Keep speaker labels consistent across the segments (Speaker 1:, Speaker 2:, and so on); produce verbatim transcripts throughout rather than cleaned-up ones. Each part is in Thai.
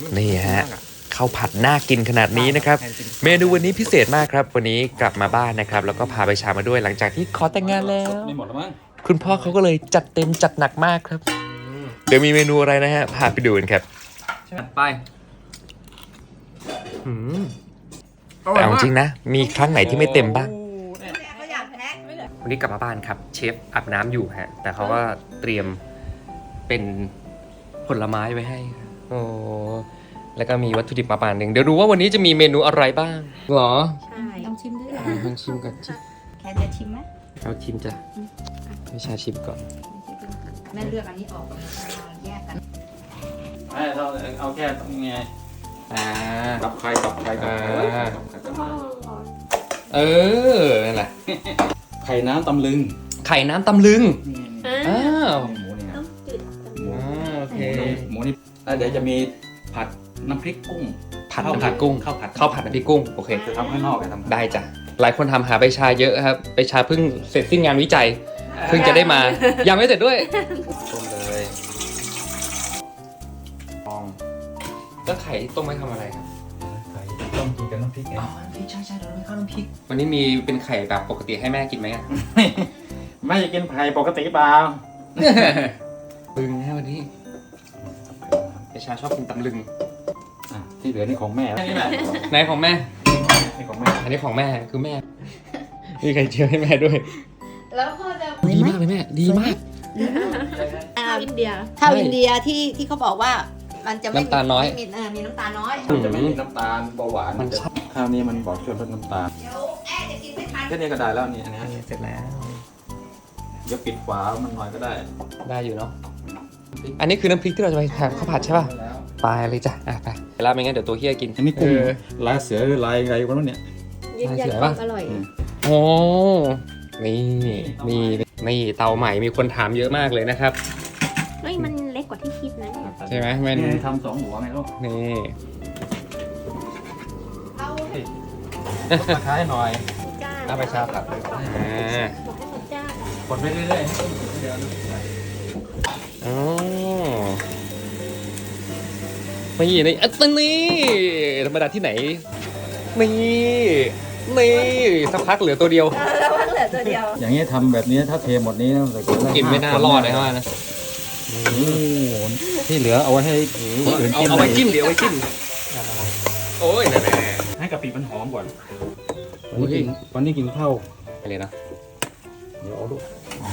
Speaker 1: นี่ฮะข้าวผัดน่ากินขนาดนี้นะครับเมนูวันนี้พิเศษมากครับวันนี้กลับมาบ้านนะครับแล้วก็พาไปชามาด้วยหลังจากที่ขอแต่งงานแล้ว
Speaker 2: ไม่หมดแล้วมั้ง
Speaker 1: คุณพ่อเขาก็เลยจัดเต็มจัดหนักมากครับเดี๋ยวมีเมนูอะไรนะฮะพาไปดูกันครับ
Speaker 3: ไป
Speaker 1: แต่เอาจริงนะมีครั้งไหนที่ไม่เต็มบ้าง
Speaker 4: เขาอยากแพ็ค
Speaker 1: วันนี้กลับมาบ้านครับเชฟอาบน้ำอยู่ฮะแต่เขาก็เตรียมเป็นผลไม้ไว้ให้โอ้แล้วก็มีวัตถุดิบประมาณหนึ่งเดี๋ยวดูว่าวันนี้จะมีเมนูอะไรบ้างหรอ
Speaker 4: ใช่ลองชิมด้วย
Speaker 1: ลองชิมก่อนจิ
Speaker 4: แค่จะชิมไหม
Speaker 1: เอาชิมจ้ะไม่ชาชิมก่อน
Speaker 4: แม่เลือกอันนี้ออกแยกกัน
Speaker 2: ไม่เราเอาแค่ตรงไง
Speaker 1: อ่า
Speaker 2: ตับไข่ตับไข่ตับไข่
Speaker 1: อ่า
Speaker 2: ตับไข่ตับไข่
Speaker 1: เออนั่นแหละ
Speaker 2: ไข่น้ำตำลึง
Speaker 1: ไข่น้ำตำลึง
Speaker 2: นี่
Speaker 1: อ้าว
Speaker 2: หมูนี่นะหมู
Speaker 1: อ่าโอเค
Speaker 2: หมูนี่แล้วเดี๋ยวจะมีผัดน้ำพริกกุ้ง
Speaker 1: ผัดน้ำพริกกุ้ง
Speaker 2: ข้าวผัด
Speaker 1: ข้าวผัดน้ำพริกกุ้งโอเค
Speaker 2: จะทำข้างนอกกันทำ
Speaker 1: ได้จ้ะหลายคนทำหาใบชาเยอะครับใบชาเพิ่งเสร็จสิ้นงานวิจัยเพิ่งจะได้มา ยังไม่เสร็จด้วย
Speaker 2: ต้มเลยฟอง
Speaker 1: แล้วไข่ต้มไว้ทำอะไรครับ
Speaker 2: ไข่ต้มกินกับน้ำพริกไง
Speaker 1: อ๋อน้ำพริกใช่ใช่เราไม่ข้าวน้ำพริกวันนี้มีเป็นไข่แบบปกติให้แม่กินไหมอ่ะ
Speaker 2: ไม่จะกินไข่ปกติเปล่า
Speaker 1: ลึงนะวันนี้ใบชาชอบกินตำลึง
Speaker 2: อ่ะที่เหลือนี่ของแม่นี่แหละ
Speaker 1: ไหนของแม่
Speaker 2: นี่ของแม่
Speaker 1: อันนี้ของแม่คือแม่มีไข่เจียวให้แม่ด้วย
Speaker 4: แล้วพ่อจะ
Speaker 1: ดีมากเลยแม่ดีมาก
Speaker 4: ข้าวอินเดียข้าวอินเดียที่ที่เขาบอกว่ามันจะไม่
Speaker 1: น้ำตาลน้อย
Speaker 4: ไม่มีเออมีน้ำตาลน้อย
Speaker 2: มันจะไม่มีน้ำตาลเบาหวาน
Speaker 1: มัน
Speaker 2: จะ
Speaker 1: ชอบ
Speaker 2: ข้าวนี้มันบอกช่วยลดน้ำตาล
Speaker 4: เดี๋ยวแม่จะกินไม่ทัน
Speaker 2: แค่นี้ก็ได้แล้วนี่อันนี้
Speaker 1: เสร็จแล้ว
Speaker 2: เดี๋ยวปิดฝามันหน่อยก็ได้
Speaker 1: ได้อยู่เนาะอันนี้คือน้ำพริกที่เราจะไปทำข้าวผัดใช่ป่ะไปเลยจ้ะอ่ะไปแล้วไม่งั้นเดี๋ยวตัวเฮียกิน
Speaker 2: อันนี้กุ้ง
Speaker 1: เออ
Speaker 2: ลายเสือหรือลายอะไรกันวะเนี่ย
Speaker 4: ยืนยัน
Speaker 1: เสีย
Speaker 4: ค
Speaker 1: ปะ
Speaker 4: วามอร่อย
Speaker 1: โอ้นี่นี่นี่เตาใหม่มีคนถามเยอะมากเลยนะครับ
Speaker 4: เฮ้ยมันเล็กกว่าที่คิดนะเนี่ย
Speaker 1: ใช่ไหมมัน
Speaker 2: นี่ทำสองหัวไงลูก
Speaker 1: นี่
Speaker 4: เอา
Speaker 2: ตะไคร้หน่อย
Speaker 4: จ้า
Speaker 1: เอาไปชาผัดเลยอ่า
Speaker 4: บอกให้เขาจ้าก
Speaker 2: ดไปเรื่อยๆให้ต้มเดียวนะ
Speaker 1: อ๋อนี่นี่อันนี้ธรรมดาที่ไหนนี่นี่สักพักเหลือตัวเดียว
Speaker 4: แล้วมันเหลือตัวเดียว
Speaker 2: อย่างนี้ทำแบบนี้ถ้าเทหมดนี้นะ
Speaker 1: กินไม่น่ารอดเลยว่านะ
Speaker 2: โอ้โหที่เหลือเอาไว้ให้คนอื่น
Speaker 1: เอา
Speaker 2: กิน
Speaker 1: เอาไว้จิ้มเดี๋ยวเอาไว้จิ้มโอ้ยนั่นแหละ
Speaker 2: ให้กะปิมันหอมก่อนวันนี้กินวันนี้กินข้าว
Speaker 1: ไปเลยนะ
Speaker 2: เดี๋ยวเอาลูก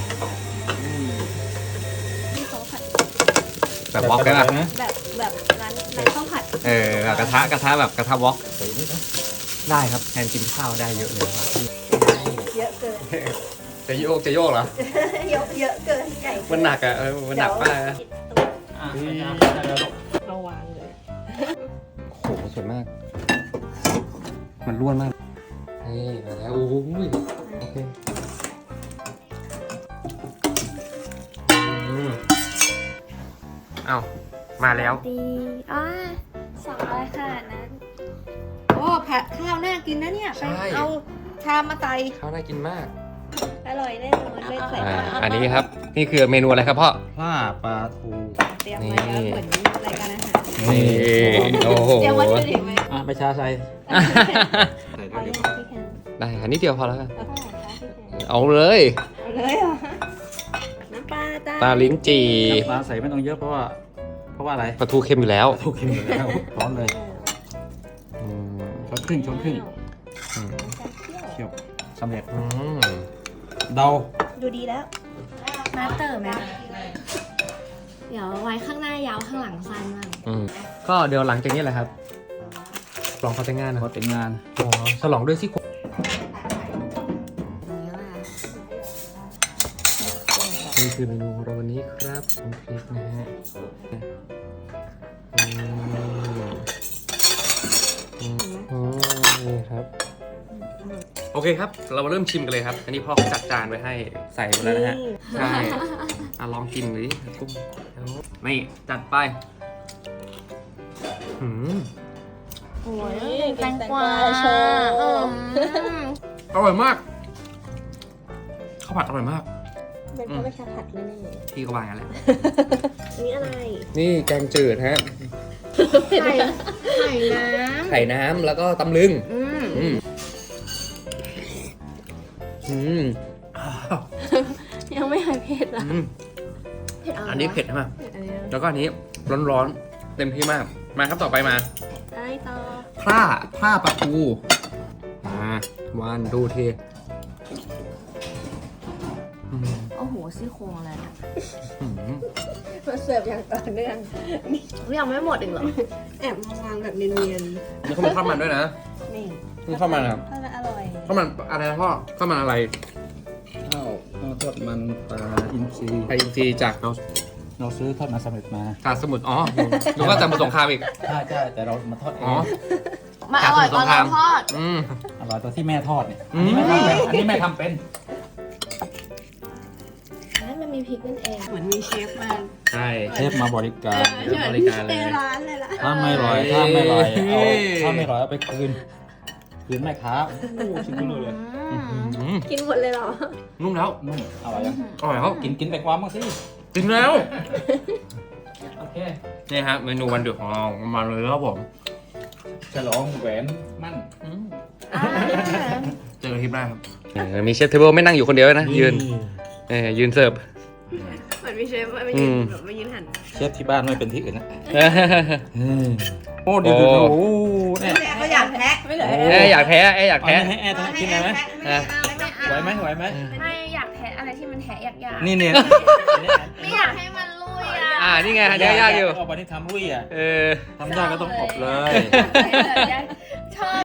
Speaker 4: ที่เขาผัด
Speaker 1: แบบวอล์กได้ป่ะ
Speaker 2: นะ
Speaker 4: แบบแบบร้านร้านข้าวผัด
Speaker 1: เออแบบกระทะกระทะแบบกระทะวอล์ก
Speaker 2: ใส่นิดนะ
Speaker 1: ได้ครับแทนกินข้าวได้เยอะเลยครับ
Speaker 4: เยอะเกิน
Speaker 1: จะโยกจะโยกเหรอ
Speaker 4: เยอะเยอะเกินใหญ่เกิ
Speaker 1: มันหนักอ่ะเออมันหนักมากนะ
Speaker 2: อ่ะได้แล้วลูก
Speaker 4: เอาวางเลย
Speaker 1: โอ้โหสวยมาก มันร่วนมากนี่มาแล้วโอ้ยโอเคอืมเอามาแล้ว
Speaker 5: ดีอ๋อสองร้อยขนาดนั้น
Speaker 4: โอ้ผัดข้าวน่ากินนะเนี่ย
Speaker 1: ใช่
Speaker 4: ไปเอาชามมาใส่
Speaker 1: ข้าวน่ากินมาก
Speaker 5: อร่อยแน่นอนไม่ใส่
Speaker 1: อ่า
Speaker 5: ปลา
Speaker 1: อันนี้ครับ นี่คือเมนูอะไรครับพ่อ
Speaker 2: ผ้าปลาทู
Speaker 4: เตรียมมาแล้วเหมือนรายการอาหาร
Speaker 1: นี่โอ้โห
Speaker 4: เตรียมวัตถุดิบไหม
Speaker 2: อ่ะไปชาใส่ใส่
Speaker 5: เอา
Speaker 2: ด้วย
Speaker 5: เลยพี่แคน
Speaker 1: ได้ค่ะนิดเดียวพอแล้วกัน
Speaker 5: เอาเท่าไหร่คะพี่แคน
Speaker 1: เอาเลย
Speaker 4: เอาเลยเหรอ
Speaker 5: น้ำปลาจ้า
Speaker 1: ปลาลิ้นจี่
Speaker 2: น้ำปลาใส่ไม่ต้องเยอะเพราะว่า เพราะว่าอะไร
Speaker 1: ปลาทูเค็มอยู่แล้ว
Speaker 2: ทูเค็มอยู่แล้วร้อนเลย
Speaker 1: อืม
Speaker 2: ช้อนครึ่งช้อนครึ่ง
Speaker 1: อืม
Speaker 2: เคี่ยวสำเร็จ
Speaker 1: อืม
Speaker 2: เดา
Speaker 5: ดูดีแล้ว มาเตอร์ไหมเดี๋ยวไว้ข้างหน้ายาวข้างหลังสั้นมาก
Speaker 1: อืมก็เดี๋ยวหลังจากนี้แหละครับลองเขาแต่งงานนะ
Speaker 2: พอแต่งงาน
Speaker 1: อ๋อฉลองด้วยซี่โครง
Speaker 5: นี่ว่า
Speaker 1: นี่คือเมนูของเราวันนี้ครับน้ำพริกนะฮะอืมอืมอืมนี่ครับ โอเคครับ เรามาเริ่มชิมกันเลยครับ อันนี้พ่อเขาจัดจานไว้ให้ใส่หมดแล้วนะฮะ ใช่อ่ะลองกินเลยกุ้งนี่จัดไปหืม
Speaker 5: โอ้ยแตงกวาโชว์
Speaker 1: อร่อยมากข้าวผัดอร่อยมาก
Speaker 5: เป็นเพราะไม่ชาผัดแน่
Speaker 1: พี่ก็วางอย่างนั้นแหละ
Speaker 5: ๆนี่อะไร
Speaker 1: นี่แกงจืดฮะ
Speaker 5: ไข่ไข่น้
Speaker 1: ไข่น้ำแล้วก็ตำลึง
Speaker 5: ำอืม
Speaker 1: อืมอืม
Speaker 5: ยังไม่หายเผ็ดอ่ะ
Speaker 1: อืม
Speaker 5: เผ็ดอะไร
Speaker 1: อันนี้เผ็ดมาก
Speaker 5: เผ็ดอะไรอะ
Speaker 1: แล้วก็อันนี้ร้อนๆเต็มที่มากมาครับต่อไปมา
Speaker 5: อะไรต่อ
Speaker 1: ผ้าผ้าปลาทูมาวันดูทีอืม
Speaker 5: โอ้โหซี่โครงอะไรเนี่ย
Speaker 1: อืม
Speaker 4: มาเสิร์ฟอย่างต่อเนื่อง
Speaker 5: ยังไม่หมดอีกเหรอ
Speaker 4: แอบมาวางแบบเนียน
Speaker 1: นี่เขามีข้าวมันด้วยนะ
Speaker 4: ๆนี่
Speaker 1: นี่ข้าวมันครับ
Speaker 4: ทอดแล้วอร่อย
Speaker 1: ข้าวมันอะไรนะพ่อข้าวมันอะไร
Speaker 2: ข้าวข้าวทอดมันปลาอินทรี
Speaker 1: ไทยอินทรีย์จาก
Speaker 2: เราเราซื้อทอดมาสำเร็จมา
Speaker 1: กาดสมุทรอ๋อหรือว่าจากสมุทรสงครามอีก
Speaker 2: ใช่ใช่แต่เรามาทอดเอ
Speaker 1: อ๋อง
Speaker 5: มาอร่อยกว่าเราทอด
Speaker 1: อืม
Speaker 2: อร่อยตัวที่แม่ทอดเนี่ย
Speaker 1: อื
Speaker 2: อัน
Speaker 1: ม
Speaker 2: นี้แม่ทำเป็นอันนี้แม่ทำเป็น
Speaker 5: นั่นมันมีพริกนั่นเอง
Speaker 4: เหมือนมีเชฟมา
Speaker 1: ใช่
Speaker 2: เชฟมาบริการ
Speaker 1: เชฟบริการเลย
Speaker 4: ในร้านเลยล่ะ
Speaker 2: ถ้าไม่อร่อยถ้าไม่อร่อยเอา
Speaker 1: เฮ้ย
Speaker 2: ถ้าไม่อร่อยเอาไปคืนคืนแม่ค้าโอ้โหชิ้นนู้นเลย
Speaker 1: อืม
Speaker 5: กินหมดเลยเหรอ
Speaker 1: นุ่มแล้ว
Speaker 2: นุ่มอร่อยยัง
Speaker 1: อร่อยแล้ว
Speaker 2: กินกินไปความบ้างสิ
Speaker 1: กินแล้ว
Speaker 2: โอเค
Speaker 1: นี่ฮะเมนูวันเดือดของเรามาเลยครับผม
Speaker 2: ฉลองแหวนมั่น
Speaker 1: เจอกันคลิปหน้าครับมีเชฟเทเบิลไม่นั่งอยู่คนเดียวนะยืนเออยืนเสิร์ฟ
Speaker 5: เหมือนมีเชฟมา
Speaker 1: อื
Speaker 5: ยืน
Speaker 1: ม
Speaker 5: แบบมายืนหัน
Speaker 2: เชฟที่บ้านไม่เป็นที่อื่นนะ
Speaker 1: เอ้ย
Speaker 2: โอ้ดีดูดูโอ้เนี่ย
Speaker 4: เขาอยากแพ็คไม่เหลือ
Speaker 1: เอ้ยอยากแพ้เอ้ยอยาก
Speaker 2: เอา
Speaker 1: แพ้
Speaker 2: ให้แอร์ทำกินได้ไหม
Speaker 1: อ่ะ
Speaker 2: ไหวไหมไหวไหม
Speaker 5: ไม่อยากแทะอะไรที่มันแทะยากๆ
Speaker 2: นี่เนี่ย
Speaker 5: ไม่อยากให้มันลุยอ่ะ
Speaker 1: อ่านี่ไงอันนี้ยากอยู่
Speaker 2: เอาไปที่ทำรุ่ยอ่ะ
Speaker 1: เออ
Speaker 2: ทำยากก็ต้องอบเลย
Speaker 5: ชอบ